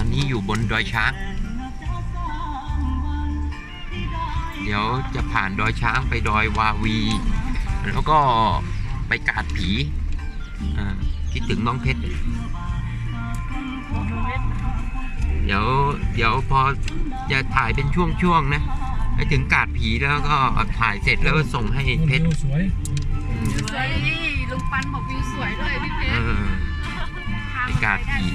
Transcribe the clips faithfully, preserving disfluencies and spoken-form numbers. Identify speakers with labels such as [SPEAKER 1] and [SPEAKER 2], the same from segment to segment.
[SPEAKER 1] นี้อยู่บนดอยช้างเดี๋ยวจะผ่านดอยช้างไปดอยวาวีแล้วก็ไปกาดผีคิดถึงน้องเพชรเดี๋ยวเดี๋ยวพอจะถ่ายเป็นช่วงๆนะไปถึงกาดผีแล้วก็ถ่ายเสร็จแล้วก็ส่งให้เพชร
[SPEAKER 2] สวย
[SPEAKER 3] สวยลุงปันบอกวิวสวยด้วยพี่เพชร
[SPEAKER 1] ไปกาดผี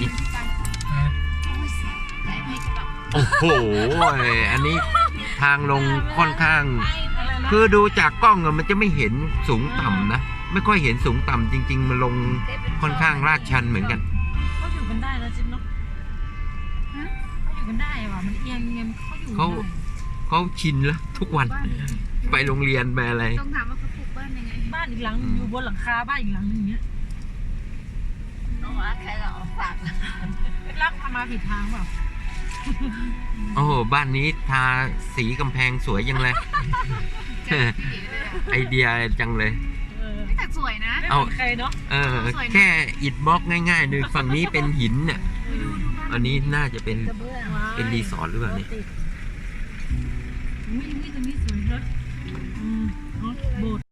[SPEAKER 1] โอ้โหอันนี้ทางลงค่อนข้างคือดูจากกล้องมันจะไม่เห็นสูงต่ำนะไม่ค่อยเห็นสูงต่ำจริงๆมันลงค่อนข้างลาดชันเหมือนกัน
[SPEAKER 4] เขาอยู่กันได้แล้วจิ๊บเนาะเขาอยู่กันได้ว่ะมันเอียงเงียบเขาอยู่
[SPEAKER 1] เขาเขาชินแล้วทุกวันไปโรงเรียนไปอะไร
[SPEAKER 3] ต้องถามว่าเขาปลูกบ้านยังไง
[SPEAKER 4] บ้านอีกหลังอยู่บนหลังคาบ้านอีกหลังนึงอย่างเงี้ย
[SPEAKER 3] น้องรักใครเราฝาก
[SPEAKER 4] รักทำมาผิดทางเปล่า
[SPEAKER 1] โอ้โหบ้านนี้ทาสีกำแพงสวยยังเลยไอเดียจังเลย
[SPEAKER 3] แต่สวยนะ
[SPEAKER 4] เอาใครเนาะ
[SPEAKER 1] เออแค่อิฐบล็อกง่ายๆเลยฝั่งนี้เป็นหินเนี่ยอันนี้น่าจะเป็นเป็นรีสอร์ทหรือเปล่าเนี่ย
[SPEAKER 4] นี่ตรงนี้สวยเนอะโบสถ์